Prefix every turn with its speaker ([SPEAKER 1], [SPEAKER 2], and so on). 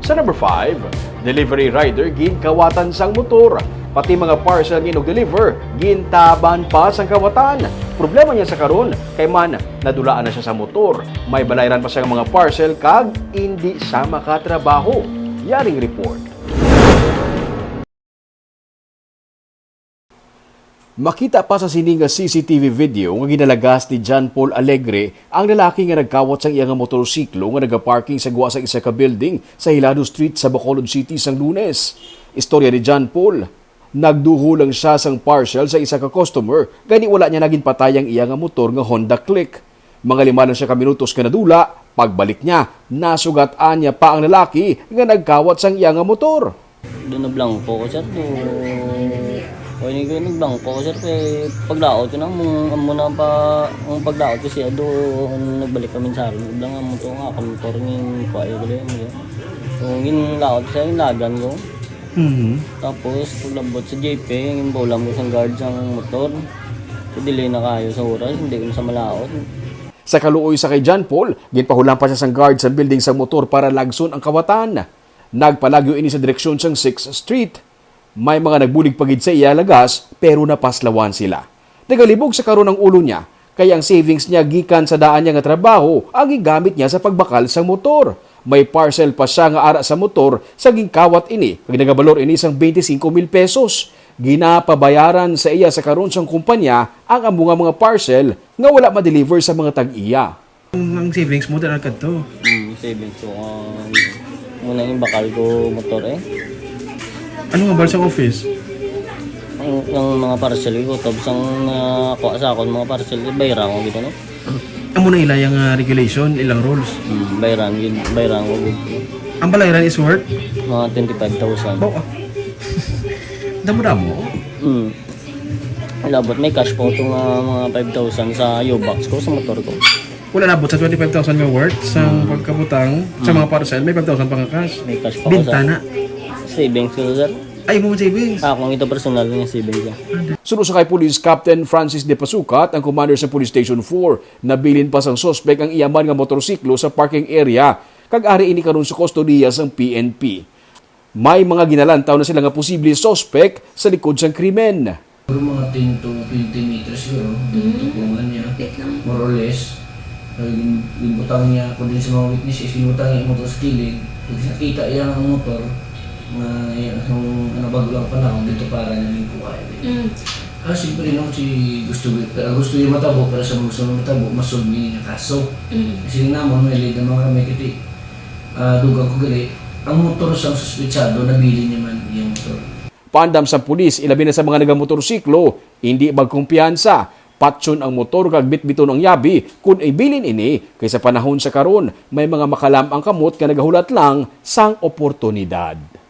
[SPEAKER 1] Sa number 5, delivery rider ginkawatan sang motor. Pati mga parcel ginog-deliver, gintaban pa sang kawatan. Problema niya sa karon kay man nadulaan na siya sa motor. May balayran pa siyang mga parcel kag hindi siya makatrabaho. Yaring report. Makita pa sa sining nga CCTV video nga ginalagas ni John Paul Alegre ang lalaki nga nagkawat sang iyang motorsiklo nga nagaparking sa guwa sa isa ka building sa Hilado Street sa Bacolod City sang Lunes. Istorya ni John Paul, nagduho lang siya sang parcel sa isa ka customer gani wala niya naging patayang iyang motor nga Honda Click. Mga 5 lang siya ka minutos ka nadula, pagbalik niya, nasugat-an niya pa ang lalaki nga nagkawat sang iyang motor.
[SPEAKER 2] Doon na blanco ko sir, o ini ko nagbangko sir kay pagdaot ko nang muna pa ang pagdaot ko siya doon nagbalik kami sa akin lang ang motor nga motor ng kuya ko lang so ngin laot siya yung lagan ko tapos paglabot sa JP yung bolam ko sa guard sa motor delay na kayo sa oras hindi ko sa malaot.
[SPEAKER 1] Sa kaluoy sa kay John Paul, ginpahulan pa siya sang guard sa building sa motor para lagson ang kawatan. Nagpalagyo ini sa direksyon sang 6th Street. May mga nagbulig pagid sa iya lagas pero napaslawan sila. Nagalibog sa karon ng ulo niya kaya ang savings niya gikan sa daan niya nga trabaho ang gigamit niya sa pagbakal sa motor. May parcel pa siya nga ara sa motor sa gingkawat ini kag nagabalor ini sang 25,000 pesos. Ginapabayaran sa iya sa karon sang kumpanya ang among mga parcel nga wala ma-deliver sa mga tag-iya.
[SPEAKER 3] Ang savings mo talaga to.
[SPEAKER 2] Savings ko muna yung bakal ko motor
[SPEAKER 3] Ano nga ba sa office?
[SPEAKER 2] yung mga parcel ko tapos ang nakuha sa akin mga parcel bayran ko gitu no.
[SPEAKER 3] Amo na ilayang regulation, ilang rules.
[SPEAKER 2] Bayran ko gitu.
[SPEAKER 3] Ang balayran is worth?
[SPEAKER 2] Mga 25,000.
[SPEAKER 3] Bao ah. Damo-damo?
[SPEAKER 2] Labot may cash po itong mga 5,000 sa U-box ko sa motor ko.
[SPEAKER 3] Wala nabot sa 25,000 nga worth sa pagkabutang sa mga parcel, may 5,000 pang cash.
[SPEAKER 2] May cash pa
[SPEAKER 3] Binta na.
[SPEAKER 2] Savings ko sir.
[SPEAKER 3] Ay mo savings.
[SPEAKER 2] Kung ito personal yung savings ko.
[SPEAKER 1] Sunod sa kay Police Captain Francis De Pasukat, ang commander sa Police Station 4, nabilin pa sang sospek ang iyaman nga motorsiklo sa parking area kag ari ini karon sa kustodiya sang PNP. May mga ginalantaw na sila nga posible sospek sa likod sang krimen.
[SPEAKER 4] Mga 10 to 20 meters siguro, tutungan niya, more or less. Binutang niya ako din sa mga witnesses, binutang niya ang motor sa kilid. Pag nakita niya ang motor, bago lang panahon dito para namin kuha. Siyempre no, gusto niya matabo para sa gusto niya matabo, masolve niya yung kaso. Kasi naman, may lead ng mga kamikiti. Dugang ko gali, ang motor sa suspitsado, nabili niya man yung motor.
[SPEAKER 1] Paandam sa pulis, ilabi na sa mga nagamotorsiklo, hindi magkumpiyansa. Patsyon ang motor kag bitbiton ang yabi kung ibilin ini kaysa panahon sa karon may mga makalam ang kamot nga nagahulat lang sang oportunidad.